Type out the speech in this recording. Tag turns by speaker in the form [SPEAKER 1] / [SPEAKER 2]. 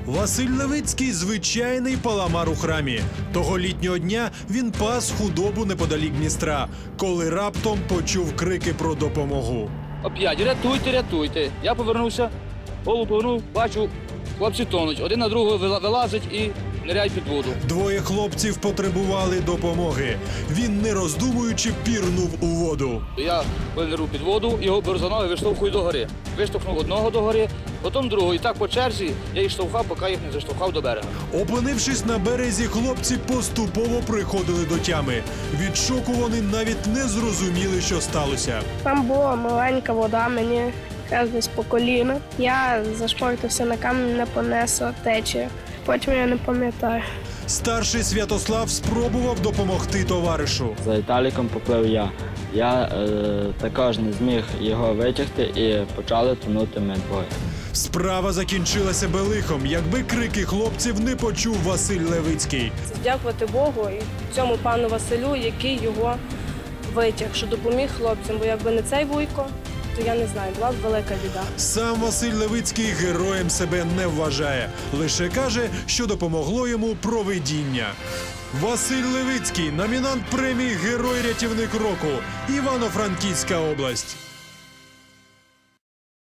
[SPEAKER 1] Василь Левицький – звичайний паламар у храмі. Того літнього дня він пас худобу неподалік Дністра, коли раптом почув крики про допомогу.
[SPEAKER 2] Оп'ять, рятуйте, рятуйте. Я повернувся, голову повернув, бачу, хлопці тонуть. Один на другого вилазить і ниряють під воду.
[SPEAKER 1] Двоє хлопців потребували допомоги. Він, не роздумуючи, пірнув у воду.
[SPEAKER 2] Я нирнув під воду, його беру за ноги, виштовхую догори. Виштовхнув одного догори, потім другого. І так по черзі я їх штовхав, поки їх не заштовхав до берега.
[SPEAKER 1] Опинившись на березі, хлопці поступово приходили до тями. Від шоку вони навіть не зрозуміли, що сталося.
[SPEAKER 3] Там була маленька вода, мені десь по коліна. Я зашпортився на камінь, не понесла течія. Потім я не пам'ятаю.
[SPEAKER 1] Старший Святослав спробував допомогти товаришу.
[SPEAKER 4] За Віталіком поплив я. Я також не зміг його витягти і почали тонути ми двоє.
[SPEAKER 1] Справа закінчилася би лихом, якби крики хлопців не почув Василь Левицький.
[SPEAKER 5] Дякувати Богу і цьому пану Василю, який його витяг, що допоміг хлопцям, бо якби не цей вуйко, то я не знаю, була б велика біда.
[SPEAKER 1] Сам Василь Левицький героєм себе не вважає. Лише каже, що допомогло йому провидіння. Василь Левицький – номінант премії «Герой-рятівник року», Івано-Франківська область.